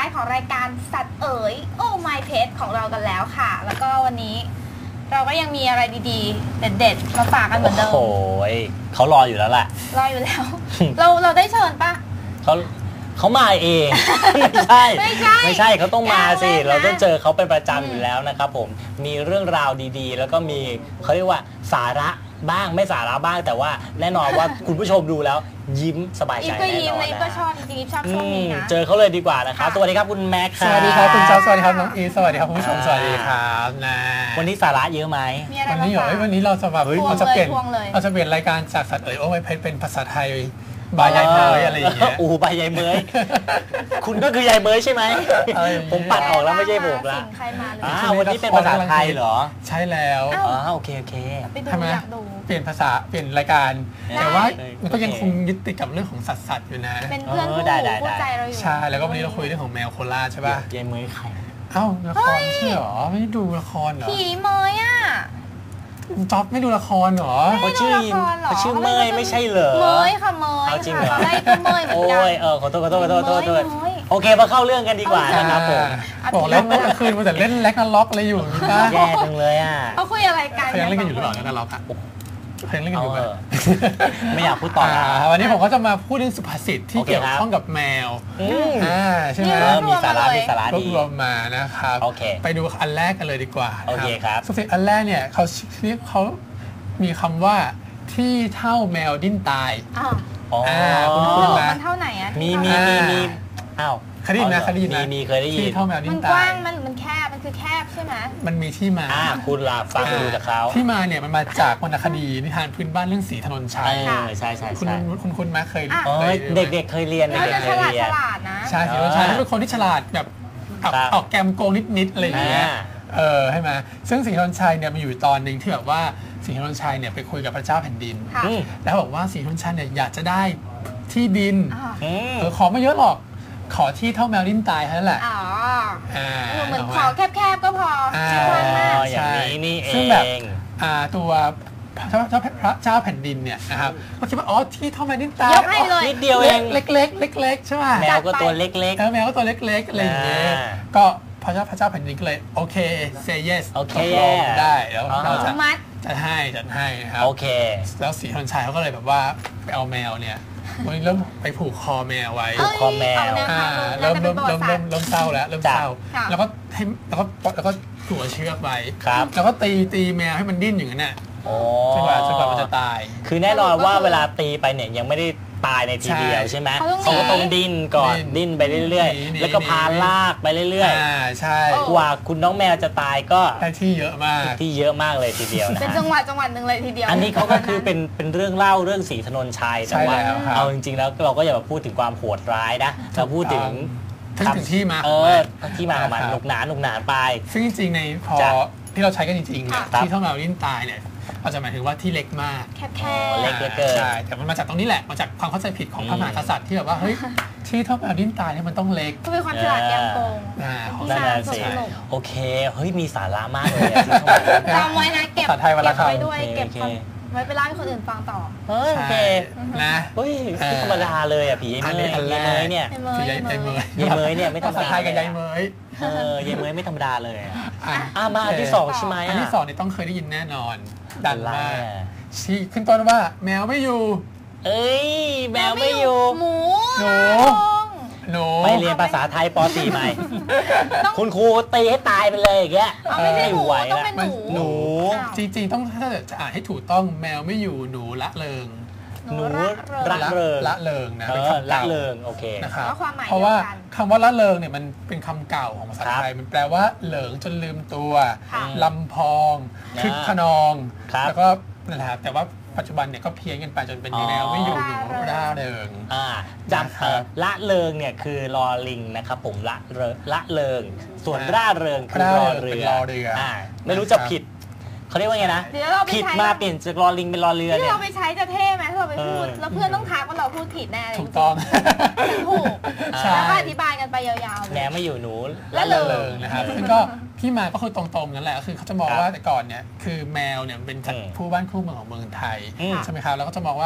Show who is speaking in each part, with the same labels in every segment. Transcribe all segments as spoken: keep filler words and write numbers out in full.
Speaker 1: ของรายการสัตว์เอ๋ยโอ้ My Pet ของเรากันแล้วค่ะแล้วก็วันนี้เราก็ยังมีอะไรดีๆเด็ดๆมาฝากกันเหมือนเดิม
Speaker 2: โอ้ยเขารออยู่แล้วแหละ
Speaker 1: รออยู่แล้ว เราเราได้เชิญปะ
Speaker 2: เขาเขามาเอง ไม่ใช่
Speaker 1: ไม่ใช่
Speaker 2: ไม่ใช่เขาต้องมาสิเราต้องเจอเขาเป็นประจำอยู่แล้วนะครับผมมีเรื่องราวดีๆแล้วก็มีเขาเรียกว่าสาระบ้างไม่สาระบ้างแต่ว่าแน่นอนว่าคุณผู้ชมดูแล้วยิ้มสบายใจแน่นอนนะ
Speaker 1: อีกก็ยิ้มเลยก็ชอบจริงๆชอบช่วงนี้นะ
Speaker 2: เจอเขาเลยดีกว่านะครับสวัสดีครับคุณแม็กซ์
Speaker 3: สวัสดีครับคุณเจ้าสวัสดีครับน้องอีสวัสดีครับคุณผู้ชมสวัสดีครับนะ
Speaker 2: วันนี้สาระเยอะไหม
Speaker 3: วันนี้เหรอวันนี้เราจะแบบเราจะเปลี่ยนเราจะเปลี่ยนรายการจากสัตว์เอ๋ยโอ้ไม่เพชรเป็นภาษาไทยบายยายเมยอะไรอย่างเงี้ย
Speaker 2: อู้บายยายเมยคุณก็คือยายเมยใช่ไหมผมปัดออกแล้วไม่ใช่ผมละอ่าวันนี้เป็นภาษาไทยเหรอ
Speaker 3: ใช่แล้ว
Speaker 2: อ๋อโอเคโอเค
Speaker 3: ทำไมเปลี่ยนภาษาเปลี่ยนรายการแต่ว่ามันก็ยังคงยึดติดกับเรื่องของสัตว์สัตว์อยู่นะ
Speaker 1: เป็นเพื่อนคู่คู่ใจเราอยู่
Speaker 3: ใช่แล้วก็วันนี้เราคุยเรื่องของแมวโคราชใช่ป่ะ
Speaker 2: ยายเมยใคร
Speaker 3: เอ้าละครไม่ใช่หรอไม่ดูละครเหรอ
Speaker 1: ผีเมยอ่ะ
Speaker 3: จ๊อบไม่ดูละครเหรอ
Speaker 2: เขาชื่อเขาชื่อเมยไม่ใช่เหรอ
Speaker 1: เมยค่ะเมย
Speaker 2: เอาจริงเหรอ
Speaker 1: ได้ก็เมยเหมือนกัน
Speaker 2: โอ้ยเออขอโทษขอโทษขอโทษขอโทษโอเคมาเข้าเรื่องกันดีกว่านะครับผม
Speaker 3: บอกแล้วเมื่อคืนมันแต่เล่นแล็กนาล็อกอะไรอยู่นะ
Speaker 2: แย่จังเลยอ่ะ
Speaker 1: เขาคุยอะไรกัน
Speaker 3: เขายังเล่นกันอยู่หรือเปล่าแล็กนาล็อกอ่ะเพลงเล่นกันอยู่แบบ
Speaker 2: ไม่อยากพูดต่อ
Speaker 3: วันนี้ผมก็จะมาพูดเรื่องสุภาษิตที่เกี่ยวข้องกับแมวอ่าใช่ไหม
Speaker 2: มีสาระมีสาระดี
Speaker 3: รวมมานะครับไปดูอันแรกกันเลยดีกว่า
Speaker 2: โอเคครับ
Speaker 3: สุภาษิตอันแรกเนี่ยเขาเขามีคำว่าที่เท่าแมวดิ้นตาย
Speaker 1: อ่าคุณคุณนะมันเท่าไหนอ่ะ
Speaker 2: มีมีมีมีอ้าว
Speaker 3: คดีนะคดีนะ
Speaker 2: มีเคยได้ยิน
Speaker 3: ที่เท่าแมวดิ้นตาย
Speaker 1: มันกว้างมันมันแคบมันคือแคบใช่ไหม
Speaker 3: มันมีที่มา
Speaker 2: อ่าคุณลาฟังดูจากเขา
Speaker 3: ที่มาเนี่ยมันมาจากวรรณคดีนิทานพื้นบ้านเรื่องศรีถนนชัย
Speaker 2: ใช่ใช่
Speaker 3: คุณคุณคุณมาเคย
Speaker 2: เด็กๆเคยเรียนเด็กๆเคยเรียน
Speaker 3: ใช่ศรีถนนชัยเป็นคนที่ฉลาดแบบออกแกมโกงนิดๆอะไรอย่างเงี้ยเออใช่ไหมซึ่งศรีถนนชัยเนี่ยมันอยู่ตอนหนึ่งที่แบบว่าศรีถนนชัยเนี่ยไปคุยกับพระเจ้าแผ่นดินแล้วบอกว่าศรีถนนชัยเนี่ยอยากจะได้ที่ดินเออขอไม่เยอะหรอกขอที่เท่าแมวดิ้นตายเท่านั้นแหละ
Speaker 1: อ๋อเหมือนขอแคบๆก็พอ
Speaker 2: ใช่อย่างนี้นี่เองซึ่ง
Speaker 3: แบบตัวเจ้าเจ้าพระเจ้าแผ่นดินเนี่ยนะครับก็คิดว่าอ๋อที่เท่าแมวดิ้นตาย
Speaker 2: นิดเดียวเอง
Speaker 3: เล็กๆเล็กๆใช่ไหม
Speaker 2: แมวก็ตัวเล็ก
Speaker 3: ๆแมวก็ตัวเล็กๆอะไรอย่างเงี้ยก็พระเจ้าพระเจ้าแผ่นดินก็เลยโอเค say yes
Speaker 2: โอเค
Speaker 3: ได้แล้วเราจะ
Speaker 1: มัด
Speaker 3: จัดให้จัดให้ครับ
Speaker 2: โอเค
Speaker 3: แล้วศรีถนนชัยเขาก็เลยแบบว่าไปเอาแมวเนี่ยวันนี้เริ่มไปผูกคอแมวไว้
Speaker 2: ผูกคอแมว
Speaker 3: เริ่มเริ่มเริ่มเริ่มเริ่มเศร้าแล้วเริ่มเศร้าแล้วก็ให้แล้วก็แล้วก็ถัวเชือกไว้แล้วก็ตีตีแมวให้มันดิ้นอย่างนั้นน่ะจนกว่าจนกว่ามันจะตาย
Speaker 2: คือแน่นอนว่าเวลาตีไปเนี่ยยังไม่ได้ตายในทีเดียวใช่ไหมเขาก็ต้องดิ้นก่อนดิ้นไปเรื่อยๆแล้วก็พาลากไปเรื่อย
Speaker 3: ๆใช่
Speaker 2: กว่าคุณน้องแมวจะตายก็
Speaker 3: ได้ที่เยอะมาก
Speaker 2: ที่เยอะมากเลยทีเดียวนะ
Speaker 1: เป็นจังหวัดจังหวัดหนึ่งเลยทีเดียว
Speaker 2: อันนี้เขาก็คือเป็นเป็นเรื่องเล่าเรื่องศรีถนนชัยแต่ว่าเอาจริงๆแล้วเราก็อย่ามาพูดถึงความโหดร้ายนะเราพูดถึง
Speaker 3: ถึงที่มา
Speaker 2: เออที่มาของมันหนุกหนาหนุกหนาไป
Speaker 3: ซึ่งจริงๆในพอที่เราใช้กันจริงๆเนี่ยที่เท่าแมวดิ้นตายเนี่ยเราจะหมายถึงว่าที่เล็กมาก
Speaker 1: แคบๆ
Speaker 2: เล็กเกิน
Speaker 3: ใช่แต่มันมาจากตรงนี้แหละมาจากความเข้าใจผิดของพระมหากษัตริย์ที่แบบว่าเฮ้ยที่เท่าแมวดิ้นตายเนี่ยมันต้องเล็ก
Speaker 1: ก็เป็นความฉลาดแกมโกง
Speaker 2: นั่นแหละสิโอเคเฮ้ยมีสาระมากเลย
Speaker 1: จำไว้นะเก็บ
Speaker 3: ไ
Speaker 1: ว้ด้วยเก็บไว้ไปเล่าให้คนอื่นฟังต่อ
Speaker 2: โอเค
Speaker 3: นะ
Speaker 2: เฮ้ยธรรมดาเลยอ่ะผียายเมยยายเมยเนี่ย
Speaker 3: ยายเมย
Speaker 2: ยายเมยเนี่ยไม่ธรรมดา
Speaker 3: ไทยกับยายเมย
Speaker 2: เออยายเมยไม่ธรรมดาเลยอ่ะมาอันที่สองใช่ไหม
Speaker 3: อันที่สองนี่ต้องเคยได้ยินแน่นอนดันมากที่ขึ้นต้นว่าแมวไม่อยู่
Speaker 2: เอ้ยแมวไม่อยู่
Speaker 1: หมู
Speaker 3: หนูหนู
Speaker 2: ไปเรียนภาษาไทยป .สี่ ใหม่คุณครูตีให้ตายไปเลยอย่างเงี้ย
Speaker 1: ไม่ไหวแล้ว
Speaker 3: หนูจริงๆต้องถ้าจะอ่านให้ถูกต้องแมวไม่อยู่หนูละเริง
Speaker 2: หนูละเริง
Speaker 3: ละเริงนะเป็นคำ
Speaker 2: ละเริงโอเค
Speaker 3: นะครับเพราะว่าคำว่าละเริงเนี่ยมันเป็นคำเก่าของภาษาไทยมันแปลว่าเหลิงจนลืมตัวลำพองคึกขนองแล้วก็นั่นแหละแต่ว่าปัจจุบันเนี่ยก็เพี้ยนกันไปจนเป็นแนวไม่อยู่หนูร่าเริง
Speaker 2: อ่าจำละเริงเนี่ยคือลอลิงนะครับผมละเริงละเริงส่วนร่าเริงคือรอเรืออ่าไม่รู้จะผิดเขาเรียกว่าไงนะผิดมาเปลี่ยนจากลอลิงเป็นลอเรือเนี่ย
Speaker 1: ที่เราไปใช้จะเท่ไหมถ้าเราไปพูดแล้วเพื่อนต้องทักว่าเราพูดผิดแน่เลย
Speaker 3: ถูกต้อง
Speaker 1: ถูกแล้วก็อธิบายกันไปยาว
Speaker 2: ๆแหนไม่อยู่หนู
Speaker 3: ละเริงนะครับซึ่งก็ที่มาก็คือตรงๆนั่นแหละคือเขาจะมองว่าแต่ก่อนเนี่ยคือแมวเนี่ยเป็นผู้บ้านคู่เมืองของเมืองไทยใช่ไหมครับแล้วก็จะมองว่า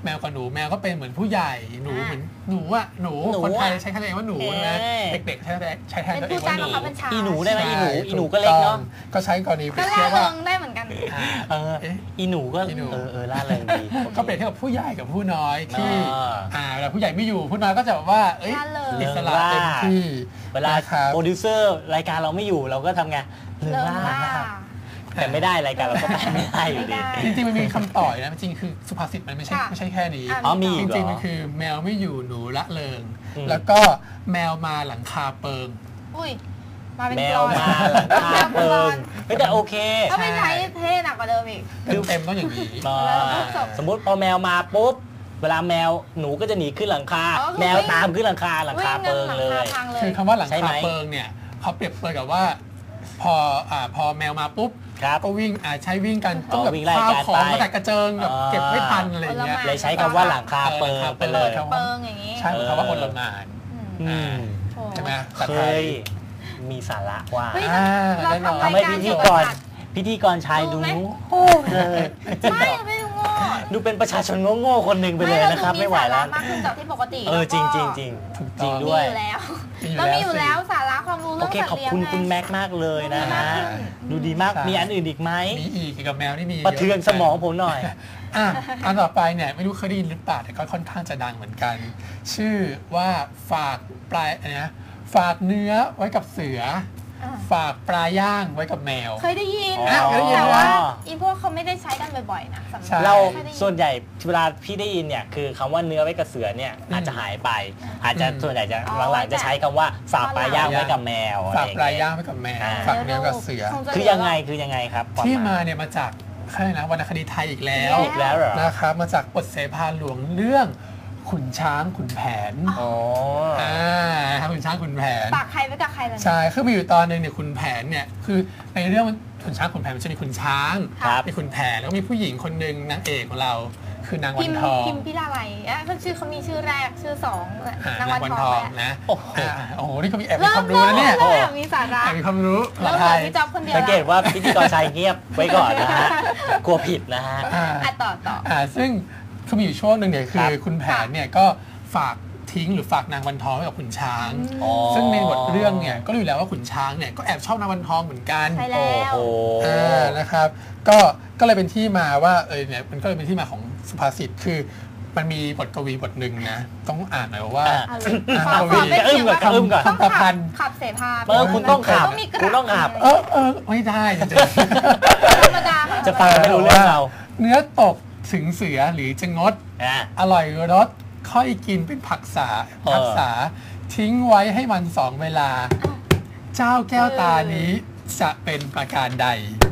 Speaker 3: แมวกับหนูแมวก็เป็นเหมือนผู้ใหญ่หนูเหมือนหนูอะหนูคนไทยใช้คำตัวเองว่าหนูนะเด็กๆใช้ใช้แทนตัวเองว่าหนู
Speaker 2: อีหนูได้ไหมอีหนูอีหนูก็เล็กเนาะ
Speaker 3: ก็ใช้กรณีเปรียบ
Speaker 1: เทียบ
Speaker 3: ว่า
Speaker 1: ได้เหมือนกัน
Speaker 2: เอออีหนูก็เออเออล่าเริงดี
Speaker 3: ก็เปรียบเทียบกับผู้ใหญ่กับผู้น้อยที่อ่าเวลาผู้ใหญ่ไม่อยู่ผู้น้อยก็จะแบบว่าเอ้ยอิสระเต็มที่
Speaker 2: เวลาโปรดิวเซอร์รายการเราไม่อยู่เราก็ทำไงเรื่องล่านะครับแต่ไม่ได้รายการเราก็ไปไม่ได้อยู่ดี
Speaker 3: จริงๆมันมีคำต่อยนะจริงคือสุภาษิตมันไม่ใช่ไม่ใช่แค่นี้
Speaker 2: อ๋อมี
Speaker 3: จริงๆมันคือแมวไม่อยู่หนูละเริงแล้วก็แมวมาหลังคาเปิง
Speaker 1: อุ้ยมาเป็น
Speaker 2: แมวมาหลังคาเปิงแต่โอเค
Speaker 1: ถ้าไม่ใช้เท่หนักกว่าเดิมอีก
Speaker 3: เต็มต้องอย่างนี้
Speaker 2: สมมติพอแมวมาปุ๊บเวลาแมวหนูก็จะหนีขึ้นหลังคาแมวตามขึ้นหลังคาหลังคาเปิงเลย
Speaker 3: คือคำว่าหลังคาเปิงเนี่ยเขาเปรียบเปรยกับว่าพออ่าพอแมวมาปุ๊บก็วิ่งอ่าใช้วิ่งกันต้องแบบข้าวของกระแตกกระเจิงแบบเก็บไม่ทันอะไรอย่างเงี้ย
Speaker 2: เลยใช้คำว่าหลังคาเปิงไปเลย
Speaker 1: เปิงอย่างงี้
Speaker 3: ใช่คำว่าคนละงานใช่ไหม
Speaker 2: เคยมีสาระว่า
Speaker 1: ท
Speaker 2: ำไมพิธีกรพิธีกรชายดู
Speaker 1: โอ้ไม่ไม่ดูโง่
Speaker 2: ดูเป็นประชาชนโง่ๆคนหนึ่งไปเลยนะครับไม่ไหวแล้ว
Speaker 1: มากขึ้นจากที่ปกติ
Speaker 2: เออจริงจริงจริงจริงด้วย
Speaker 1: เรามีอยู่แล้วสาระความรู้เรื่องสัตว์เลี้ยง
Speaker 2: ขอบคุณคุณแม็กมากเลยนะฮะดูดีมากมีอันอื่นอีกไหม
Speaker 3: มีอีกเกี่ยวกับแมวนี่มี
Speaker 2: ประเทืองสมองผมหน่อย
Speaker 3: อ่ะอันต่อไปเนี่ยไม่รู้เคยได้ยินหรือเปล่าแต่ก็ค่อนข้างจะดังเหมือนกัน ชื่อว่าฝากปลายนะฝากเนื้อไว้กับเสือฝากปลาย่างไว้กับแมว
Speaker 1: เคยได้ยินแต่ว่าอีพวกเขาไม่ได้ใช้กันบ่อยๆนะ
Speaker 2: เราส่วนใหญ่เวลาพี่ได้ยินเนี่ยคือคำว่าเนื้อไว้กับเสือเนี่ยอาจจะหายไปอาจจะส่วนใหญ่จะหลังๆจะใช้คำว่าฝากปลาย่างไว้กับแมว
Speaker 3: ฝากปลาย่างไว้กับแมวฝากเนื้อกับเสือ
Speaker 2: คือยังไงคือยังไงครับ
Speaker 3: ที่มาเนี่ยมาจากใช่นะวรรณคดีไทยอีกแล้ว
Speaker 2: อีกแล้วเหรอ
Speaker 3: นะครับมาจากบทเสภาหลวงเรื่องขุนช้างขุนแผน
Speaker 2: อ๋อ
Speaker 3: อ่าขุนช้างขุนแผน
Speaker 1: ฝากใครไว้กับใครล่ะ
Speaker 3: ใช่คือมีอยู่ตอนนึงเนี่ยขุนแผนเนี่ยคือในเรื่องขุนช้างขุนแผนมันจะมีขุนช้างมีขุนแผนแล้วก็มีผู้หญิงคนหนึ่งนางเอกของเราคือนางวันทอง
Speaker 1: พิมพิลาไลอ่ะเขาชื่อเขามีชื่อแรกชื่อสอง
Speaker 3: นางวันทองนะโอ้โหนี่เขามีแอบมีความรู้นะเนี่ย
Speaker 1: มีสาระ
Speaker 3: แอบมีความรู้
Speaker 1: เราพี่จ๊อบคนเดียว
Speaker 2: สังเกตว่าพิธีกรชายเงียบไว้ก่อนนะฮะกลัวผิดนะฮะ
Speaker 1: อ่ะต่อต่อ
Speaker 3: อ่าซึ่งคือมีอยู่ช่วงหนึ่งเนี่ยคือคุณแผนเนี่ยก็ฝากทิ้งหรือฝากนางวันทองไว้กับขุนช้างซึ่งในบทเรื่องเนี่ยก็รู้อยู่แล้วว่าขุนช้างเนี่ยก็แอบชอบนางวันทองเหมือนกัน
Speaker 1: ใช่แล้ว
Speaker 3: อ่านะครับก็ก็เลยเป็นที่มาว่าเออเนี่ยมันก็เลยเป็นที่มาของสุภาษิตคือมันมีบทกวีบทหนึ่งนะต้องอ่านหน่อยว่า
Speaker 1: กวี
Speaker 2: จะอึ้มกับอึ้มกับ
Speaker 3: คำประพันธ์
Speaker 1: ขับเสภา
Speaker 2: เออคุณต้องขับคุณต้องขับ
Speaker 3: เออเออไม่ได้จริง
Speaker 1: ๆธรรมดา
Speaker 2: จะฟังไม่รู้เรื่องเรา
Speaker 3: เนื้อตกถึงเสือหรือจะงดอร่อยรสค่อยกินเป็นผักษาผักษาทิ้งไว้ให้มันสองเวลาเจ้าแก้วตานี้จะเป็นประการใด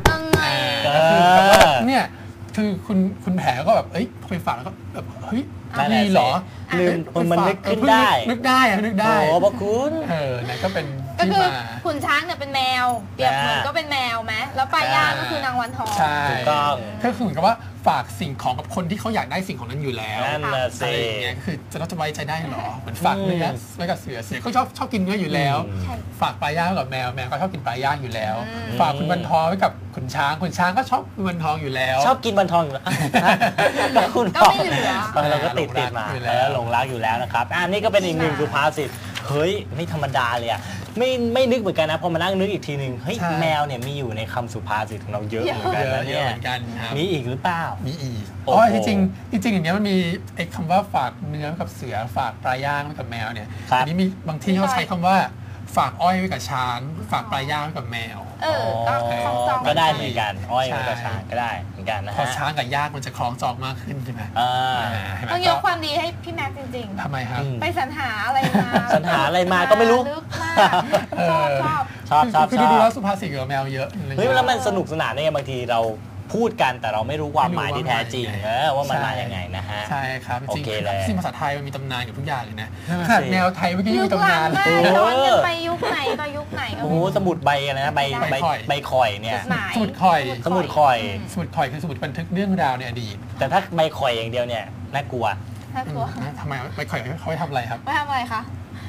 Speaker 3: เนี่ยคือคุณคุณแผลก็แบบเอ้ยพอไปฟังแล้วก็แบบเฮ้ยมีเหรอ
Speaker 2: ลืมมันนึกขึ้นได้
Speaker 3: นึกได้อะนึกได้
Speaker 2: โอ้พระคุณ
Speaker 3: เออนั่นก็เป็น
Speaker 1: ก็คือขุนช้างเนี่ยเป็นแมวเปรียบเหมือนก็เป็นแมวไหมแล้วปลาย่างก็คือนางวันทอง
Speaker 3: ใช่ถูกต้องก็คือเหมือนกับว่าฝากสิ่งของกับคนที่เขาอยากได้สิ่งของนั้นอยู่แล้ว
Speaker 2: นั่นแหละสิ
Speaker 3: เนี่ยคือจะต้องจะไว้ใจได้หรอเหมือนฝากเนื้อไว้กับเสือเสือเขาชอบชอบกินเนื้ออยู่แล้วฝากปลาย่างกับแมวแมวก็ชอบกินปลาย่างอยู่แล้วฝากคุณวันทองไว้กับขุนช้างขุนช้างก็ชอบคุณวันทองอยู่แล้ว
Speaker 2: ชอบกินวันทองอยู่แล้ว
Speaker 1: คุณก็ไม่เหลือ
Speaker 2: เราก็ติดติดมาแล้วหลงรักอยู่แล้วนะครับอันนี้ก็เป็นอีกหนึ่งสุภาษิตเฮ้ยไม่ธรรมดาเลยอ่ะไม่ไม่นึกเหมือนกันนะพอมานั่งนึกอีกทีหนึ่งเฮ้ยแมวเนี่ยมีอยู่ในคำสุภาษิตของเราเยอะเหมือนกันนะเนี่ยมีอีกหรือเปล่า
Speaker 3: มีอีกอ๋อจริงจริงจริงอย่างเงี้ยมันมีไอ้คำว่าฝากเนื้อกับเสือฝากปลาย่างไว้กับแมวเนี่ยอันนี้มีบางที่เขาใช้คำว่าฝากอ้อยไว้กับช้างฝากปลาย่างไว้กับแมว
Speaker 1: เออ
Speaker 2: ก็ได้เหมือนกันอ้อยไว้กับช้างก็ได้เหมือนกันนะฮะ
Speaker 3: พอช้างกับย่างมันจะคล้องจองมากขึ้นใช่ไหม
Speaker 1: ต้องยกความดีให้พี่แม็กจริงๆ
Speaker 3: ทำไมครับ
Speaker 1: ไปสรรหาอะไรมา
Speaker 2: สรรหาอะไรมาก็ไม่รู้
Speaker 1: ชอบ
Speaker 2: ชอบชอบ
Speaker 3: คือดูแล้วสุภาษิตกับแมวเยอะ
Speaker 2: เฮ้ยแล้วมันสนุกสนานเนี่ยบางทีเราพูดกันแต่เราไม่รู้ความหมายที่แท้จริงเออว่ามันมาอย่างไงนะฮะ
Speaker 3: ใช่ครับจริงๆที่ภาษาไทยมันมีตำนานกับทุกอย่างเลยนะขนาดแมวไทยเมื่อกี้มีตำนาน
Speaker 1: ย้อนกันไปยุคไหนก็ยุคไหน
Speaker 2: โอ้โหสมุดใบอะไรนะใบใบใบข่อยเนี่ย
Speaker 3: สมุดข่อย
Speaker 2: สมุดข่อย
Speaker 3: สมุดข่อยคือสมุดบันทึกเรื่องราวในอดีต
Speaker 2: แต่ถ้าใบข่อยอย่างเดียวเนี่ยน่ากลัว
Speaker 1: น่ากลัว
Speaker 3: ทำไมใบข่อยเขาไปทำอะไรครับ
Speaker 1: ไปทำอะไรคะ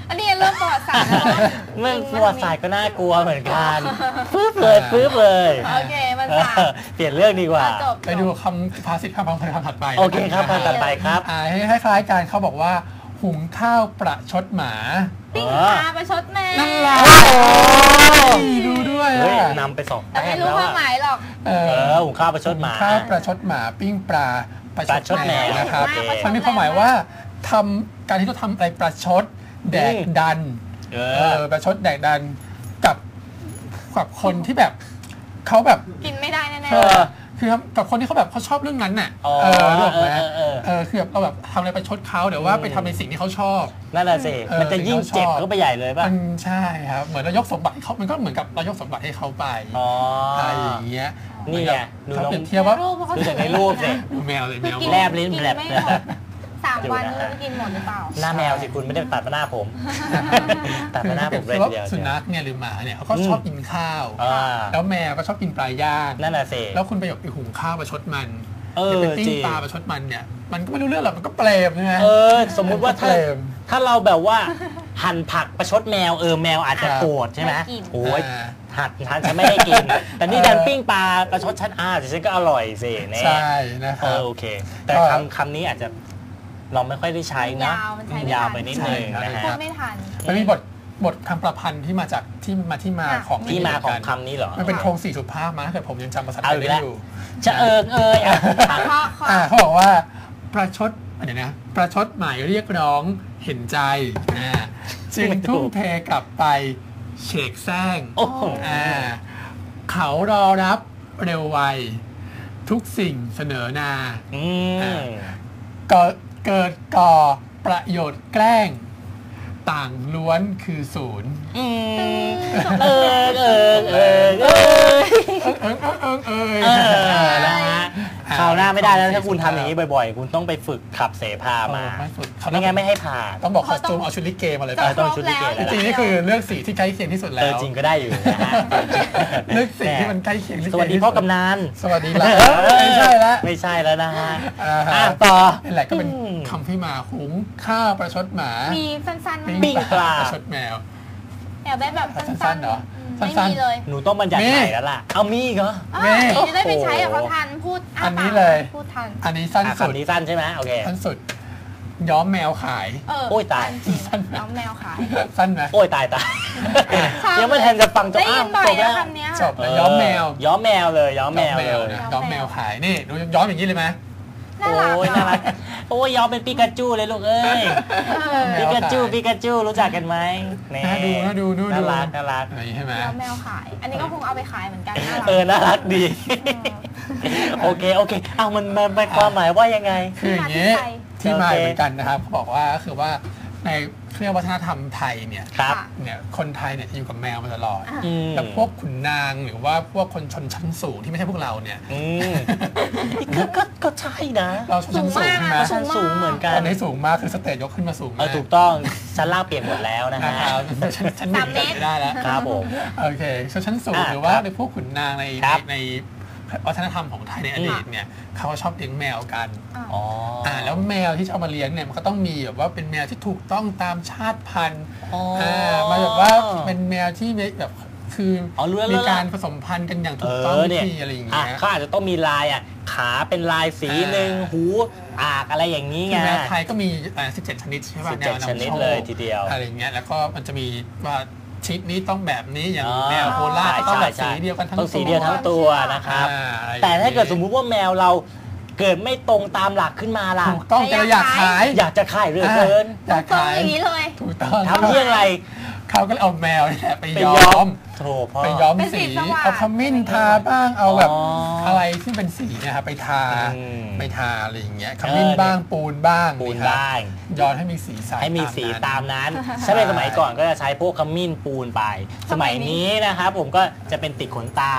Speaker 1: อันนี้เริ่มประวัติศาสตร์แล้ว
Speaker 2: เมื่อประวัติศาสตร์ก็น่ากลัวเหมือนกันฟื้บเลยฟื้บเลย
Speaker 1: โอเคมันศาสตร์
Speaker 2: เปลี่ยนเรื่องดีกว่า
Speaker 1: จบ
Speaker 3: ไปดูคำภาษิตคำพังเพลคำถัดไป
Speaker 2: โอเคครับคำถัดไปครับ
Speaker 3: อ่าให้คล้ายๆกันเขาบอกว่าหุงข้าวประชดหมา
Speaker 1: ปิ้งปลาประชดแมว
Speaker 3: นั่นแหละดูด้วย
Speaker 2: เฮ้ย
Speaker 3: อ่ะ
Speaker 2: นำไปสอง
Speaker 1: แต่
Speaker 2: แต้
Speaker 1: ไม่
Speaker 2: ม
Speaker 1: รู้
Speaker 2: แล้ว
Speaker 1: ความห
Speaker 3: เอ
Speaker 1: มายหรอก
Speaker 3: อ
Speaker 2: เออหุงข้าวประชดหมา
Speaker 3: ข้าวประชดหมาปิ้งปลาประ
Speaker 2: ประชด
Speaker 3: ชด
Speaker 2: แม
Speaker 3: แม
Speaker 2: ว
Speaker 3: วนะครับ
Speaker 1: โอเค
Speaker 3: มันมีความหมายว่าทำการที่เราทำอะไรประชดแดกดัน
Speaker 2: เอ
Speaker 3: เอ
Speaker 2: อ
Speaker 3: อประชดแดกดันกับกับคนที่แบบเขาแบบ
Speaker 1: กินไม่ได้แน่
Speaker 3: เออคือกับคนที่เขาแบบเขาชอบเรื่องนั้นน่ะ
Speaker 2: อ๋อ
Speaker 3: เออรู้ไหม
Speaker 2: เออเออ
Speaker 3: เออคือแบบเราแบบทำอะไรประชดเขาเดี๋ยวว่าไปทำในสิ่งที่เขาชอบ
Speaker 2: นั่นแหละสิ
Speaker 3: เออ
Speaker 2: มันจะยิ่งเจ็บเข้าไปใหญ่เลยป่ะ
Speaker 3: มันใช่ครับเหมือนเรายกสมบัติให้เขามันก็เหมือนกับเรายกสมบัติให้เขาไป
Speaker 2: อ๋ออ
Speaker 3: อะไรอย่างเงี้ย
Speaker 2: นี่ไงดู
Speaker 3: เขา
Speaker 2: น้อง
Speaker 3: เปรียบ
Speaker 1: ๆ
Speaker 3: เทียบว่า
Speaker 1: รูปเพราะเขา
Speaker 2: ดูจากในรูปสิ
Speaker 3: ดูแมวเลย
Speaker 1: คื
Speaker 3: แม
Speaker 1: อ
Speaker 3: ว
Speaker 1: กิน
Speaker 2: แลบลิ้น
Speaker 1: กิ
Speaker 2: แลบ
Speaker 1: ไม่หมดสามวัน
Speaker 2: อยู่นะฮะ
Speaker 1: ไม่รู้จะกินหมดหรือเปล่า
Speaker 2: หน้าแมวสิคุณไม่ได้ตัดมาหน้าผม ตัดมาหน้าผมเลยทีเดียว
Speaker 3: สุนัขเนี่ยหรือหมาเนี่ยเขาก็ชอบกินข้าว
Speaker 2: อ่า
Speaker 3: แล้วแมวก็ชอบกินปลาย่าง
Speaker 2: นั่นแหละสิ
Speaker 3: แล้วคุณไปหยกไปหุงข้าวประชดมัน
Speaker 2: เออ
Speaker 3: ไปปิ้
Speaker 2: จ
Speaker 3: ง
Speaker 2: ริง
Speaker 3: ปลาประชดมันเนี่ยมันก็ไม่รู้เรื่องหรอกมันก็เปรมใช่ไหม
Speaker 2: เออ สมมุติว่าถ้า
Speaker 3: เปรม
Speaker 2: ถ้าเราแบบว่า หั่นผักประชดแมวเออแมวอาจจะโกรธใช่ไหม
Speaker 1: ไม่กิน
Speaker 2: โอ้ย
Speaker 3: อ่า
Speaker 2: หัดฉันจะไม่ให้กิน แต่นี่ดันปิ้งปลาประชดฉันอ่าแต่ฉันก็อร่อยสิแน่
Speaker 3: ใช่นะค
Speaker 2: เอ
Speaker 3: รับ
Speaker 2: อโอเค แต่
Speaker 3: ก็
Speaker 2: คำคำนี้อาจจะเราไม่ค่อยได้ใช้นะ
Speaker 1: ยาวมันใช้ไม่
Speaker 2: ยาว
Speaker 1: ทัน
Speaker 2: ไปนิดนึง
Speaker 3: ใช่
Speaker 2: นะ
Speaker 3: ค
Speaker 1: พู
Speaker 2: ฮะ
Speaker 1: ดไม่ทัน
Speaker 3: มันมีบทบทคำประพันธ์ที่มาจากที่มาที่มา
Speaker 1: ค่ะ
Speaker 3: ของ
Speaker 2: ที่มาของ
Speaker 3: น
Speaker 2: คำนี้เหรอ
Speaker 3: มันเป็นโครงสี่สุภาพมาถ้าเกิดผมยังจำภาษาไท
Speaker 2: เอา
Speaker 3: ย
Speaker 2: อีก
Speaker 3: ได้
Speaker 2: แล้ว
Speaker 3: อยู่
Speaker 2: จะเอิงเอยอ่ะ
Speaker 1: เพราะเขา
Speaker 3: อ่าเขาบอกว่าประชดเดี๋ยวนะประชดหมายเรียกร้องเห็นใจอ่าจึงทุ่มเทกลับไปเฉกแซง
Speaker 2: โอ้โห
Speaker 3: อ่าเขารอรับเร็วไว ทุกสิ่งเสนอนา
Speaker 2: อืม
Speaker 3: เกิดเกิดก่อประโยชน์แกล้ง ต่างล้วนคือศูนย์
Speaker 2: อืมเออเออเออเออ
Speaker 3: เอิงเอิงเอิงเอิง
Speaker 2: เออนะฮะคราวหน้าไม่ได้แล้วถ้าคุณทำอย่างนี้บ่อยๆ คุณต้องไปฝึกขับเสพามา
Speaker 3: ไม่สุดเขา
Speaker 2: ไม่งั้นไม่ให้ผ่าน
Speaker 3: ต้องบอกคอสตูมเอาชุดลิเกมาเลย
Speaker 2: เอ
Speaker 3: ป่ะ
Speaker 2: อต้องชุดลิเก
Speaker 3: จ
Speaker 2: แล้ว
Speaker 3: ริงๆนี่คือเลือกสีที่ใกล้เคียงที่สุด
Speaker 2: เอ
Speaker 3: แล้
Speaker 2: อ
Speaker 3: ว
Speaker 2: จริงก็ได้อยู่นะฮะ
Speaker 3: เลือกสีที่มันใกล้เคียงลิเก
Speaker 2: สวัสดีพ่อกำนัน
Speaker 3: สวัสดีละไม่ใช่ละ
Speaker 2: ไม่ใช่แล้วนะฮะ
Speaker 3: อ่าฮะ
Speaker 2: อ่ะต่อ
Speaker 3: นี่แหละก็เป็น
Speaker 2: อืม
Speaker 3: คำที่มาหุงข้าวประชดหมา
Speaker 1: มีสั้นๆ
Speaker 3: ปิ้
Speaker 1: มั้ย
Speaker 2: ปิ้งปลา
Speaker 3: ประชดแมว
Speaker 1: อยากได้แบบสั้
Speaker 3: สั้
Speaker 1: น
Speaker 3: น
Speaker 1: ๆ
Speaker 3: ๆเหรอ
Speaker 1: ไม่
Speaker 3: สั้นๆ
Speaker 1: มีเลย
Speaker 2: หนูต้องบัญญัติ
Speaker 3: มี
Speaker 2: ใหม่แล้วล่ะ เอามีอีกเหรอ
Speaker 1: อ่ะ
Speaker 3: แม่
Speaker 1: จะได้ไปใช้กับเขาทันพูดา
Speaker 3: อันนี้
Speaker 1: ปาก
Speaker 3: เลย
Speaker 1: พูดทัน
Speaker 3: อันนี้สั้น
Speaker 2: อ่ะ
Speaker 3: สุด
Speaker 2: คำนี้สั้นใช่ไหมโอเค
Speaker 3: สั้นสุด ย้อมแมวขาย
Speaker 1: เออ
Speaker 2: โอ้ยตาย
Speaker 1: จริงน้องแมวขาย
Speaker 3: สั้นไหม
Speaker 2: โอ้ยตายตาย
Speaker 1: ชอบ
Speaker 2: ยังไม่ทันจะฟังจบ
Speaker 1: ได้
Speaker 2: อ้า
Speaker 1: ยิ
Speaker 2: วน
Speaker 1: บ่อ
Speaker 2: จ
Speaker 1: ย
Speaker 2: บ
Speaker 1: แล้
Speaker 2: แล้ว ว
Speaker 1: คำเนี้ย
Speaker 3: จบแล้วย้อมแมว
Speaker 2: ย้อมแมวเลยย้อมแมว
Speaker 3: ย้อมแม
Speaker 2: เล
Speaker 3: วย นะย้อมแมวขายนี่ดูย้อมอย่างนี้เลยไหม
Speaker 1: น่ารัก
Speaker 2: โอ้ยน่ารักโอ้ยย้อมเป็นปิกาจูเลยลูกเอ้ย
Speaker 1: เออ
Speaker 3: แม
Speaker 2: ปิ
Speaker 3: ว
Speaker 2: กาจู
Speaker 3: ขาย
Speaker 2: ปิกาจูรู้จักกันไหมแ
Speaker 3: น่าดูน่าดูน่าดู
Speaker 2: น่ารักน่ารัก
Speaker 3: อะไรอย่างนี้ใช่ไหม
Speaker 1: แล้วแมวขาย อันนี้ก็คงเอาไปขายเหมือนกันน่ารัก
Speaker 2: เออน่ารักดี โอเคโอเคเอามันมันมันความหมายว่ายังไง
Speaker 3: คืออย่างนี้
Speaker 1: ที่มาที่ไป
Speaker 3: ที่มาเหมือนกันนะครับเขาบอกว่าก็คือว่าในเครื่องวัฒนธรรมไทยเนี่ย
Speaker 2: ครับ
Speaker 3: เนี่ยคนไทยเนี่ยจะอยู่กับแมวมาตลอด
Speaker 1: อ่ะ
Speaker 2: อืม
Speaker 3: แต่พวกขุนนางหรือว่าพวกคนชนชั้นสูงที่ไม่ใช่พวกเราเนี่ย
Speaker 2: อืมก็ก็ก็ใช่นะ
Speaker 3: เราชนชั้นสูงใช่ไหม
Speaker 2: ชั้นสูงเหมือนกัน
Speaker 3: ตอนนี้สูงมากคือสเตจยกขึ้นมาสูง
Speaker 2: เอ
Speaker 3: มา
Speaker 2: อก ถูกต้องชั้นล่างเปลี่ยนหมดแล้วนะ
Speaker 3: นะ
Speaker 2: ฮะ
Speaker 3: ครับชั้นชั้นหนึ่ง
Speaker 1: สามเมตร
Speaker 3: ไม่ได้แล้ว
Speaker 2: ครับผม
Speaker 3: โอเคชนชั้นสูง
Speaker 2: อ่ะ
Speaker 3: หรือว่า
Speaker 2: ครับ
Speaker 3: ในพวกขุนนางใน
Speaker 2: ครับ
Speaker 3: ในวัฒนธรรมของไทยในอดีตเนี่ยเขาก็ชอบเลี้ยงแมวกัน
Speaker 2: อ๋อ
Speaker 3: อ่าแล้วแมวที่จะเอามาเลี้ยงเนี่ยมันก็ต้องมีแบบว่าเป็นแมวที่ถูกต้องตามชาติพันธุ์
Speaker 2: อ๋อ
Speaker 3: อ่ามาแบบว่าเป็นแมวที่แบบคืออ
Speaker 2: อรู้แล้ว
Speaker 3: มี
Speaker 2: แล้ว
Speaker 3: การผสมพันธุ์กันอย่างถูกต้อง
Speaker 2: เออ
Speaker 3: วิ
Speaker 2: เนี่ย
Speaker 3: ธีอะไรอย่าง
Speaker 2: อ่ะ
Speaker 3: เงี้ย
Speaker 2: เขาอาจจะต้องมีลายอ่ะขาเป็นลายสีหนึ่ง
Speaker 3: อ่า
Speaker 2: หูอากอะไรอย่างนี้
Speaker 3: คือ
Speaker 2: ไง
Speaker 3: แมวไทยก็มีอ่าสิบเจ็ดชนิดใช่ป่ะ
Speaker 2: สิบ
Speaker 3: แน
Speaker 2: เจ็ด
Speaker 3: วนำโชค
Speaker 2: ชนิดเลยทีเดียว
Speaker 3: อะไรอย่างเงี้ยแล้วก็มันจะมีว่าชนิดนี้ต้องแบบนี้อย่าง
Speaker 2: อ๋อ
Speaker 3: แมวโคราชก็ต้องแบบ
Speaker 2: ใช่
Speaker 3: สี
Speaker 2: ใช่
Speaker 3: เดียวกันทั้ง
Speaker 2: ต้องสี
Speaker 3: ตัว
Speaker 2: เดียวทั้งตัวนะครับ
Speaker 3: อ่าอะไรอย่งงี้ย
Speaker 2: แต่ถ้าเกิดสมมุติว่าแมวเราเกิดไม่ตรงตามหลักขึ้นมาล่ะ
Speaker 3: ถูกต้องแต่เราอยากขาย
Speaker 2: อยากจะขายเหลือเกิน
Speaker 3: อยาก
Speaker 1: ตรง
Speaker 3: ขาย
Speaker 1: อย่างนี้เลย
Speaker 3: ถูกต้อง
Speaker 2: ทำเยี่ยงไร
Speaker 3: เขาก็เลยเอาแมวนี่แหละไป
Speaker 2: ไป
Speaker 3: ย้
Speaker 2: ย้
Speaker 3: อ
Speaker 2: อ
Speaker 3: ม
Speaker 2: มโถพ่อ
Speaker 3: ไปย้อม
Speaker 1: เป็นสี
Speaker 3: สี
Speaker 1: สว่าง
Speaker 3: เอาขมิ้นทาบ้างเอาแบบ
Speaker 2: อ๋ออ
Speaker 3: อะไรที่เป็นสีเนะครับไปทา
Speaker 2: อืม
Speaker 3: ไปทาอะไรอย่างเงี้ยขมิ้นบ้างปูนบ้าง
Speaker 2: ปูน
Speaker 3: ครับ
Speaker 2: บ้าง
Speaker 3: ย้อนให้มีสีสัน
Speaker 2: ให้มีสีตาม
Speaker 3: นั้น
Speaker 2: นั้นถ้าเป็นสมัยก่อนก็จะใช้พวกขมิ้นปูนไป สมัยนี้นะครับผมก็จะเป็นติดขนตา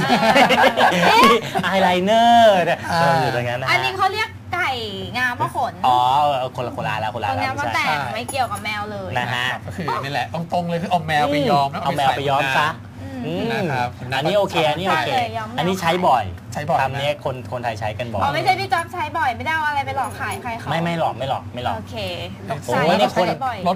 Speaker 2: อายไลเนอร์เนี่ยเอออยู่ตรงนั้นนะฮะ
Speaker 1: อันนี้เขาเรียกไก่งามพระขน
Speaker 2: อ๋อคนละคนละแล้วคน
Speaker 1: ต
Speaker 2: ละ
Speaker 1: รง
Speaker 2: แล้
Speaker 1: นี้
Speaker 2: ว
Speaker 1: มา
Speaker 2: ไม่
Speaker 1: แต่
Speaker 2: ใช่
Speaker 1: งไม่เกี่ยวกับแมวเลย
Speaker 2: นะฮะ
Speaker 3: ก็คือนี่แหละตรงๆเลยคือเอาแมวไปย้อมแล้ว
Speaker 2: เอาแมวไปย้อมซะ
Speaker 1: อืม
Speaker 2: อืม
Speaker 3: นะครับ
Speaker 2: อันนี้โอเคอันนี้โอเค
Speaker 1: ใช่เลยย้อมแมว
Speaker 2: อันนี้ใช้บ่อย
Speaker 3: ใช้บ่อย
Speaker 2: คำนี้คนคนไทยใช้กันบ่อย
Speaker 1: อ๋อไม่ใช่พี่จ๊อบใช้บ่อยไม่ได้เอาอะไรไปหลอกขายใครเขา
Speaker 2: ไม่ไม่หลอกไม่หลอกไม่หลอก
Speaker 1: โอเคตก
Speaker 2: โอ้
Speaker 1: ใจ
Speaker 2: ยนี่คน
Speaker 1: ใช้บ่อย
Speaker 3: รถปะ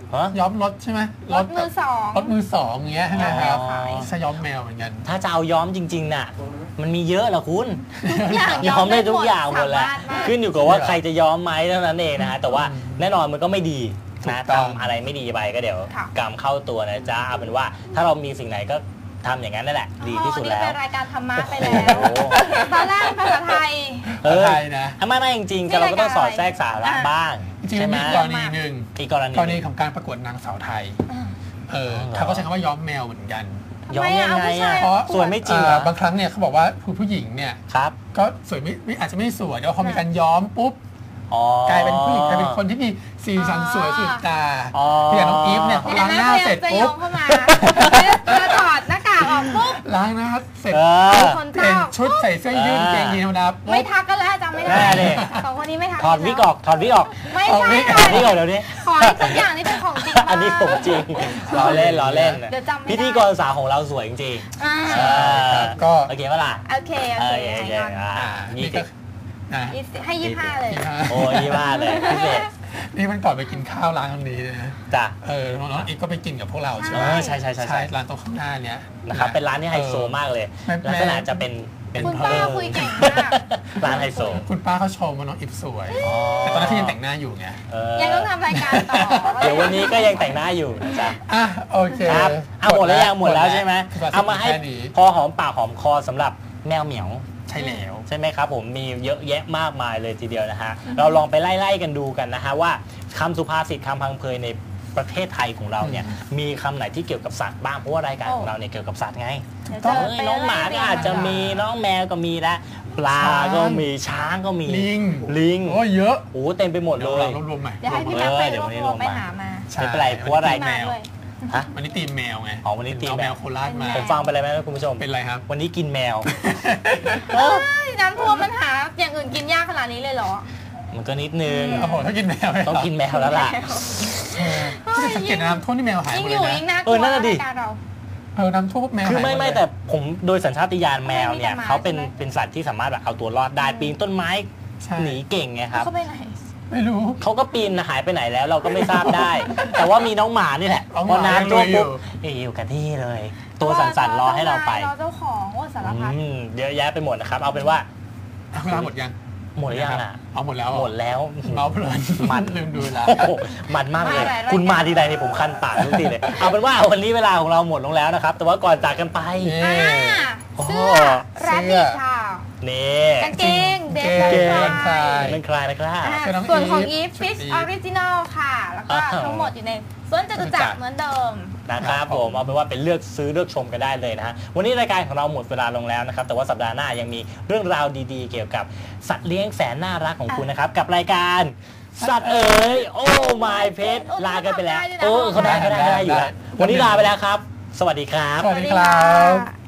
Speaker 3: ย้อมรถใช่ไหม
Speaker 1: รถมือสอง
Speaker 3: รถมือสองอย่างเงี้ยใช่ไหมครับใช่ย้อมแมวเหมือนกัน
Speaker 2: ถ้าจะเอาย้อมจริงๆน่ะมันมีเยอะเหรอคุณ
Speaker 1: ย้
Speaker 2: ย้
Speaker 1: อ
Speaker 2: อ
Speaker 1: ม
Speaker 2: ม
Speaker 1: ได้
Speaker 2: ได้ทุกอย่างหมดแหละขึ้นอยู่กับว่าใครจะย้อมไหมเท่านั้นเองนะฮะแต่ว่าแน่นอนมันก็ไม่ดีนะทำอะไรไม่ดีไปก็เดี๋ยวกรรมเข้าตัวนะจ๊ะเอาเป็นว่าถ้าเรามีสิ่งไหนก็ทำอย่างนั้นนั่นแหละดีที่สุดแล้ว
Speaker 1: นี่เป็นรายการธรรมะไปแล้วตอนแรกภาษาไทย
Speaker 3: ภาษาไทยนะ
Speaker 2: ไม่ไม่จริงๆเราก็ต้องสอดแทรกสาระบ้าง
Speaker 3: จริงๆมีกรณีหนึ่ง
Speaker 2: อีกกรณี
Speaker 3: กรณีของการประกวดนางสาวไทยเออเขาก็ใช้คำว่าย้อมแมวเหมือนกัน
Speaker 2: ย้อมยังไงอ่ะสวยไม่จริง
Speaker 3: บางครั้งเนี่ยเขาบอกว่าผู้ผู้หญิงเนี่ยก็สวยไม่อาจจะไม่สวยเดี๋ยวพอมีการย้อมปุ๊บกลายเป็นผู้หญิงกลายเป็นคนที่มีสีสันสวยสุดตาอย่างน้องอีฟเนี่ยพอล้างหน้าเสร็จปุ๊บ
Speaker 1: เข้ามาถอดหน้ากากออกปุ๊บ
Speaker 3: ล้างหน้าเสร็จ
Speaker 1: เปลี่ยน
Speaker 3: ชุดใส่เสื้อยืดเกงยีนธรรมดา
Speaker 1: ไม่ทักกันแล้วจำไม่ได้สองคนนี้ไม่ทัก
Speaker 2: ถอดวิกออกถอดวิกออก
Speaker 1: ไม่ใช่
Speaker 2: ถอดวิกออกเดี๋ยวนี้
Speaker 1: ขอทุกอย่างนี่เป็นของจริง
Speaker 2: อันนี้ผมจริงล้อเล่นล้อเล่นพิธีกรสาวของเราสวยจริงๆก็โอเคป่ะล่ะ
Speaker 1: โอเคโอเค
Speaker 2: นี่ก็
Speaker 1: ให้ยี่ห้าเลย
Speaker 2: โอ้ยี่ห้าเลยพิเศษ
Speaker 3: นี่มันก่อนไปกินข้าวร้านตรงนี้นะ
Speaker 2: จ้ะ
Speaker 3: เออน้องอีกก็ไปกินกับพวกเราใช่ไหม
Speaker 2: ใช่ใช่ใช่
Speaker 3: ใช่ร้านตรงข้างหน้าเนี้ย
Speaker 2: นะครับเป็นร้านที่ไฮโซมากเลยลักษณะจะเป็นเป็น
Speaker 1: คุณป้าคุยเก่งมาก
Speaker 2: ร้านไฮโซ
Speaker 3: คุณป้าเขาชมว่าน้องอิฟสวยแต่ตอนนั้นที่ยังแต่งหน้าอยู่ไง
Speaker 1: ยังต้องทำรายการต่อ
Speaker 2: เดี๋ยววันนี้ก็ยังแต่งหน้าอยู่นะจ๊ะ
Speaker 3: อ่ะโอเค
Speaker 2: ครับเอาหมดแล้วยังหมดแล้วใช่ไหมเอามาให้พอหอมปากหอมคอสำหรับแมวเหมียว
Speaker 3: ใช่แล้ว
Speaker 2: ใช่ไหมครับผมมีเยอะแยะมากมายเลยทีเดียวนะฮะเราลองไปไล่ๆกันดูกันนะฮะว่าคำสุภาษิตคำพังเพยในประเทศไทยของเราเนี่ยมีคำไหนที่เกี่ยวกับสัตว์บ้างเพราะว่ารายการของเราเนี่ยเกี่ยวกับสัตว์ไงน้องหมาก็อาจจะมีน้องแมวก็มีแล้วปลาก็มีช้างก็มี
Speaker 3: ลิง
Speaker 2: ลิง
Speaker 3: โอ้เยอะ
Speaker 2: โอ้เต็มไปหมดเลย
Speaker 3: รวมๆใหม่
Speaker 1: เดี๋ยวให้พี่แม็กไปรวบรวมไปหามา
Speaker 2: ไม่เป็นไรเพราะว่าอะไร
Speaker 3: แมวฮะวันนี้ตีมแมวไง
Speaker 2: อ๋อวันนี้ตีม
Speaker 3: แมวโคราชมา
Speaker 2: ผมฟังไปเลยไหมคุณผู้ชม
Speaker 3: เป็นไรครับ
Speaker 2: วันนี้กินแมว
Speaker 1: น้ำท่วมมันหาอย่างอื่นกินยากขนาดนี้เลยเหรอ
Speaker 2: มันก็นิดนึง
Speaker 3: โอ้โหถ้ากินแมว
Speaker 2: ต้องกินแมวแล้วล่ะ
Speaker 3: สังเกตน้ำท่วมที่แมวหายหมดเลยนะ
Speaker 2: เออนั่นแหละดิ
Speaker 3: เออน้ำท่วมแมว
Speaker 2: คือไม่ไม่แต่ผมโดยสัญชาตญาณแมวเนี่ยเขาเป็นเป็นสัตว์ที่สามารถแบบเอาตัวรอดได้ปีนต้นไม้หนีเก่งไงครับ
Speaker 1: เขาไปไหน
Speaker 3: ไม่รู้
Speaker 2: เขาก็ปีนหายไปไหนแล้วเราก็ไม่ทราบได้แต่ว่ามีน้องหมานี่แหละพอน้ำท่วมปุ๊บอยู่กันที่เลยตัวสั่นๆรอให้เราไป
Speaker 1: รอเจ้าของว่าสารพัด
Speaker 2: เยอะแยะไปหมดนะครับเอาเป็นว่า
Speaker 3: เวลาหมดยัง
Speaker 2: หมดยังอ่ะ
Speaker 3: เอาหมดแล้ว
Speaker 2: หมดแล้ว
Speaker 3: เมาเพลิน
Speaker 2: มัน
Speaker 3: ลืมดูแล
Speaker 2: มันมากเลยคุณมาทีใดนี่ผมคันปากทุกทีเลยเอาเป็นว่าวันนี้เวลาของเราหมดลงแล้วนะครับแต่ว่าก่อนจากกันไป
Speaker 1: เสื้อแรปปี้ค่ะ
Speaker 2: นี่
Speaker 1: กางเกงเดฟ
Speaker 2: คลายเป็นคลายนะครับ
Speaker 1: ส่วนของอีฟฟิชออริจินอลค่ะแล้วก็ทั้งหมดอยู่ในสวนจตุจักรเหมือนเดิม
Speaker 2: นะครับผมเอาเป็นว่าเป็นเลือกซื้อเลือกชมกันได้เลยนะฮะวันนี้รายการของเราหมดเวลาลงแล้วนะครับแต่ว่าสัปดาห์หน้ายังมีเรื่องราวดีๆเกี่ยวกับสัตว์เลี้ยงแสนน่ารักของคุณนะครับกับรายการสัตว์เอ๋ยโอ้ my pet ลากันไปแล้วโอ้เขาได้เขาได้ได้อยู่แล้ววันนี้ลาไปแล้วครับสวัสดีครับ
Speaker 3: สวัสดีครับ